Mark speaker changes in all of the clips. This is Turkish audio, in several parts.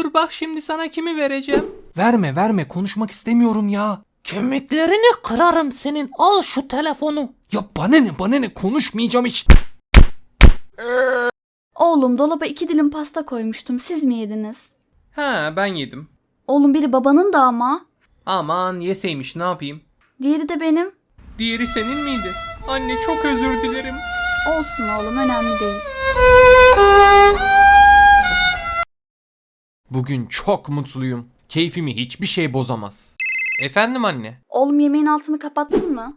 Speaker 1: Dur bak şimdi sana kimi vereceğim. Verme konuşmak istemiyorum ya.
Speaker 2: Kemiklerini kırarım senin. Al şu telefonu.
Speaker 1: Ya bana ne konuşmayacağım işte.
Speaker 3: Oğlum dolaba 2 dilim pasta koymuştum. Siz mi yediniz?
Speaker 1: Ha ben yedim.
Speaker 3: Oğlum biri babanın da ama.
Speaker 1: Aman yeseymiş ne yapayım.
Speaker 3: Diğeri de benim.
Speaker 1: Diğeri senin miydi? Anne çok özür dilerim.
Speaker 3: Olsun oğlum önemli değil.
Speaker 1: Bugün çok mutluyum. Keyfimi hiçbir şey bozamaz. Efendim anne?
Speaker 3: Oğlum yemeğin altını kapattın mı?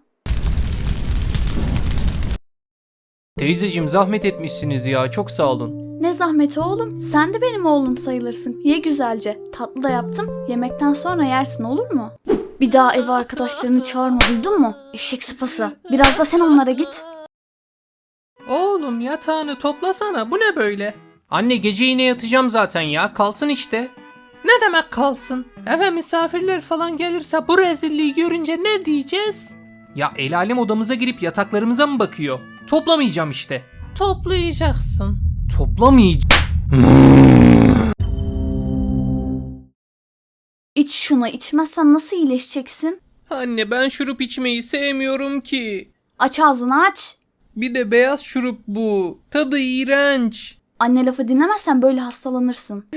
Speaker 1: Teyzeciğim zahmet etmişsiniz ya, çok sağ olun.
Speaker 3: Ne zahmeti oğlum? Sen de benim oğlum sayılırsın. Ye güzelce. Tatlı da yaptım. Yemekten sonra yersin olur mu? Bir daha eve arkadaşlarını çağırma duydun mu? Eşek sıpası. Biraz da sen onlara git.
Speaker 1: Oğlum yatağını toplasana, bu ne böyle? Anne gece yine yatacağım zaten ya, kalsın işte. Ne demek kalsın? Eve misafirler falan gelirse bu rezilliği görünce ne diyeceğiz? Ya el alem odamıza girip yataklarımıza mı bakıyor? Toplamayacağım işte. Toplayacaksın. Toplamayacağım.
Speaker 3: İç şunu, içmezsen nasıl iyileşeceksin?
Speaker 1: Anne ben şurup içmeyi sevmiyorum ki.
Speaker 3: Aç ağzını aç.
Speaker 1: Bir de beyaz şurup bu. Tadı iğrenç.
Speaker 3: Anne lafı dinlemezsen böyle hastalanırsın.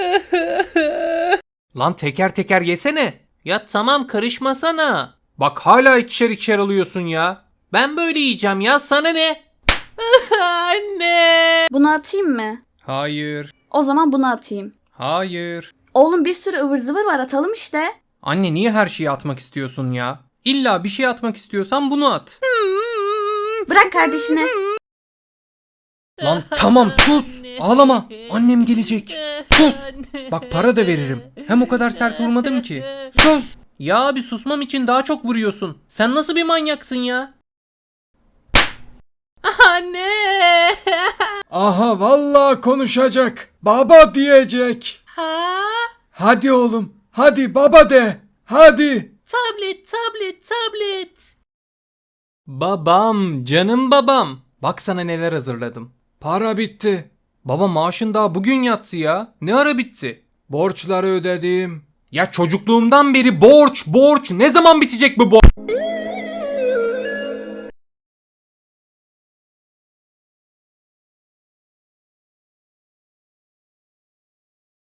Speaker 1: Lan teker teker yesene. Ya tamam karışmasana. Bak hala ikişer alıyorsun ya. Ben böyle yiyeceğim ya, sana ne? Anne.
Speaker 3: Bunu atayım mı?
Speaker 1: Hayır.
Speaker 3: O zaman bunu atayım.
Speaker 1: Hayır.
Speaker 3: Oğlum bir sürü ıvır zıvır var atalım işte.
Speaker 1: Anne niye her şeyi atmak istiyorsun ya? İlla bir şey atmak istiyorsan bunu at.
Speaker 3: Bırak kardeşine.
Speaker 1: Lan tamam sus. Ağlama. Annem gelecek. Sus. Bak para da veririm. Hem o kadar sert vurmadım ki. Sus. Ya abi susmam için daha çok vuruyorsun. Sen nasıl bir manyaksın ya? Anne.
Speaker 4: Aha vallahi konuşacak. Baba diyecek.
Speaker 1: Ha?
Speaker 4: Hadi oğlum. Hadi baba de. Hadi.
Speaker 1: Tablet. Babam, canım babam. Bak sana neler hazırladım.
Speaker 4: Para bitti.
Speaker 1: Baba maaşın daha bugün yatsı ya. Ne ara bitti?
Speaker 4: Borçları ödedim.
Speaker 1: Ya çocukluğumdan beri borç. Ne zaman bitecek bu borç?